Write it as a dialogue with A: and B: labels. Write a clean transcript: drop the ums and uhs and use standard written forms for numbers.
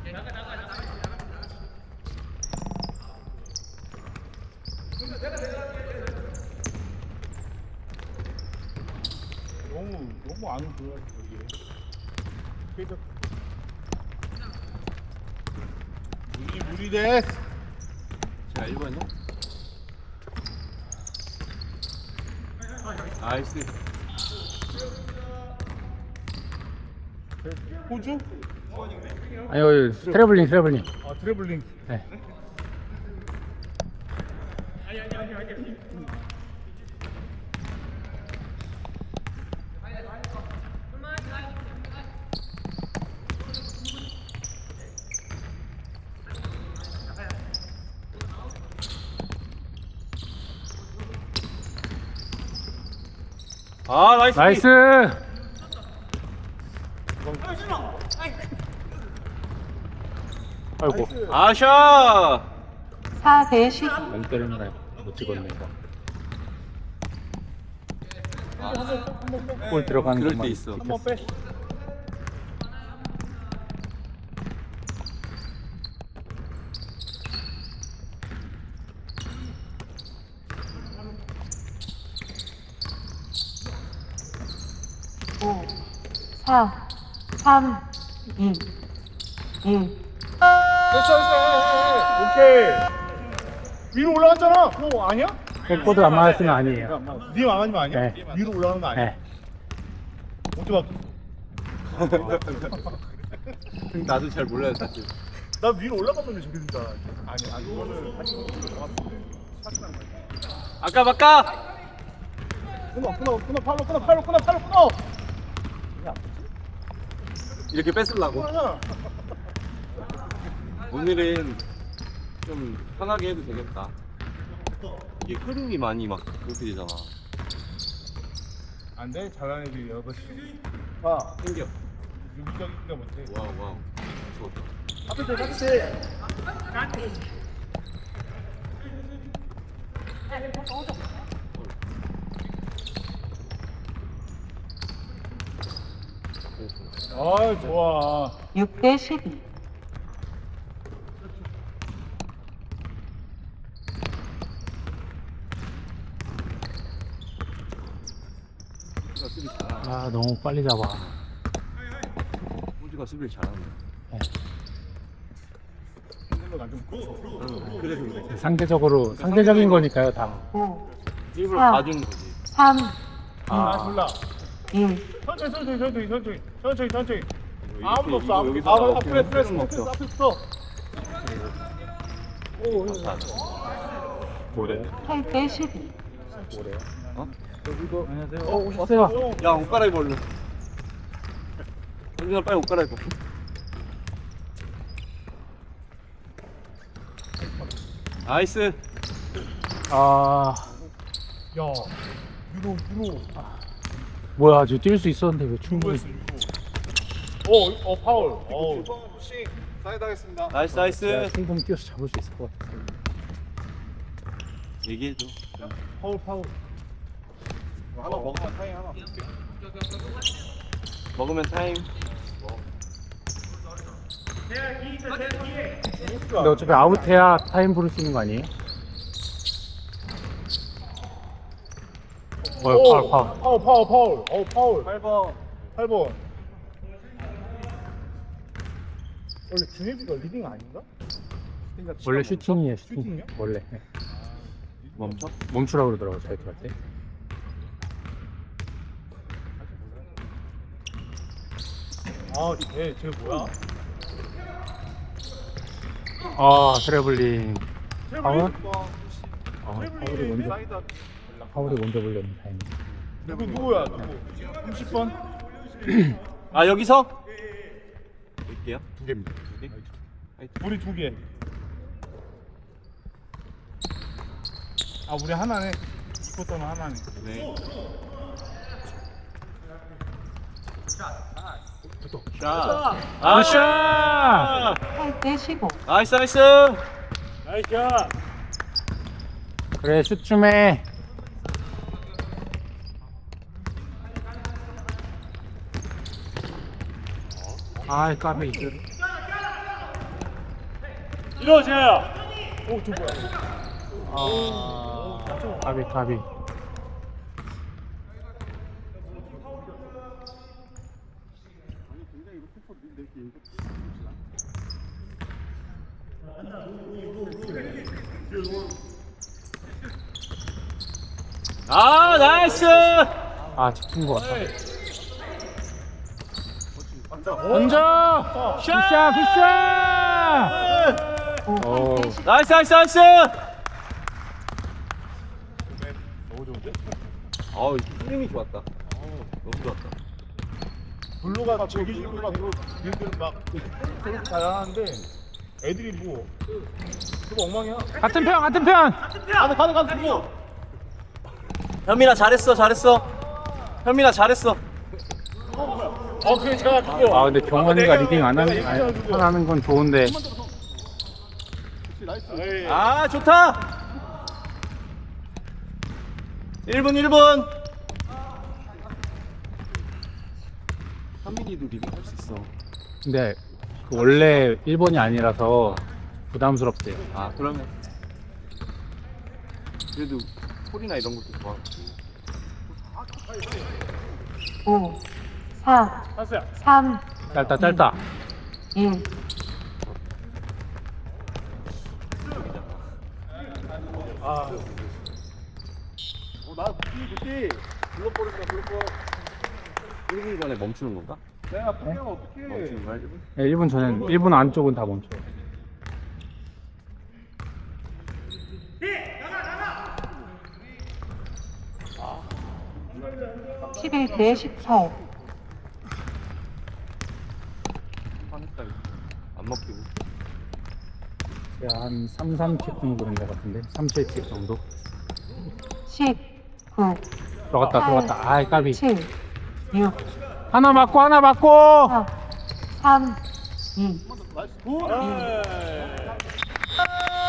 A: 너무 안 보여 여기. 무리 됐.
B: 자 1번이요? 나이스.
A: 호주?
C: 아니요, 트래블링.
A: 아 트래블링.
C: 네.
B: 아 나이스.
C: 나이스. 아이고,
B: 아샤.
D: 4대 12.
C: 안 때리는 못 찍었네 이거. 골 들어가는
B: 그럴 때
C: 것만
B: 있어.
A: 한번 빼.
D: 오, 4, 3, 2, 1.
A: 됐어. 오케이. 위로 올라갔잖아. 그거 아니야?
C: 골도 안 맞았으면 아니에요.
A: 니 망하는 거 아니야?
C: 네.
A: 위로 올라가는 거 아니야?
C: 네.
A: 어떻게 막?
B: 나도 잘 몰라요 사실.
A: 나 위로 올라가면 저기 된다. 아니 이거는 다시 올라갔는데.
B: 아까 바까.
A: 끊어.
B: 이렇게 뺏으려고.
A: 끊어.
B: 오늘은 좀 편하게 해도 되겠다. 이게 흐름이 많이 막 그렇게 되잖아.
A: 안 돼. 잘하는 애들이 여섯 시. 봐.
B: 생겨.
A: 유기적인가 못해.
B: 와우. 좋았다.
A: 앞에. 아 좋아.
D: 6대 12.
B: 호주가 수비 잘하네.
C: 아, 너무 빨리 잡아.
B: 호주가 수비를 잘하네. 그래서 그래.
C: 상대적인 거니까요, 다.
D: 5,
B: 일부러
D: 4,
B: 봐주는 거지.
D: 3,
A: 아 몰라.
D: 1.
A: 천천히.
B: 이거
A: 아무도 없어.
B: 이거 여기서
A: 아무도 프레스
B: 먹죠.
A: 앞에 있어.
B: 뭐래?
D: 8대 12.
C: 안녕하세요. 오셨어요.
B: 야, 옷 갈아입어 얼른. 현준아 빨리 옷 갈아입어. 나이스.
C: 아,
A: 야, 유로.
C: 뭐야, 저 뛸 수 있었는데 왜 충분히.
A: 파울.
B: 나이스.
C: 제가 충분히 뛰어서 잡을 수 있을 것 같아요.
B: 얘기해줘.
A: 파울.
B: 하나 먹으면 타임 하나. 먹으면 타임.
C: 근데 어차피 아웃해야 타임 부를 수 있는 거 아니에요? 파울.
A: 파울. 8번. 원래 준혜비가 리딩 아닌가?
C: 원래 슈팅이에요,
A: 슈팅이요?
C: 원래. 네.
B: 멈춰?
C: 멈추라고 그러더라고, 자유투 할 때.
A: 쟤 뭐야?
C: 아, 트래블링. 파울?
A: 트래블링.
C: 파울이 먼저 불렸네, 다행히.
A: 누구야? 30번?
B: 아 여기서? 볼게요.
A: 2개입니다.
B: 2개?
A: 우리 2개. 우리 하나네. 이 쿼터는 하나네.
B: 네. 샷.
C: 아,
D: 8대 15.
B: 나이스.
A: 나이스.
C: 그래, 슛 좀 해. 아이, 까비.
A: 이러자. 오, 저 뭐야?
C: 까비 까비.
B: 아 나이스.
C: 아 집중 것 같다.
A: 어?
C: 던져. 굿샷 굿샷.
D: 5,
C: 오.
D: 8대 10.
B: 나이스 나이스 나이스.
A: 너무 좋은데?
B: 어우 흐름이 좋았다. 너무 좋았다.
A: 블루가 즐기시는 블루가 얘들 막 되게 잘하는데 애들이 뭐 그거 엉망이야.
C: 같은 편 같은 편.
A: 가는 그거.
B: 현민아 잘했어 잘했어. 현민아 잘했어.
A: 그래 제가 그거.
C: 아 근데 경원이가 리딩 안 하는 건 좋은데.
A: 에이.
B: 아 좋다. 1분 1분. 현민이도 리딩 할 수 있어.
C: 근데 그 원래 1번이 아니라서 부담스럽대요.
B: 아 그러면 그래도 콜이나 이런 것도 좋아하고.
D: 5, 4,
A: 한수야.
D: 3,
C: 짧다.
D: 1.
A: 나 굿디. 블록볼이다 블록볼.
B: 1분 전에 멈추는 건가?
A: 내가 포기하면 어떡해.
B: 멈추는 거야 1분?
C: 네, 1분 전엔 1분 안쪽은 다 멈춰요.
D: 아. 11대 18.
B: 화냈다 이거. 안 먹히고.
C: 제가 한 3킵 정도 된 것 같은데 37킵 정도.
D: 10, 9,
C: 들어갔다. 아이 까비.
D: 7, 6,
C: 하나 맞고
D: 4, 3, 2.
A: 나이스 굿.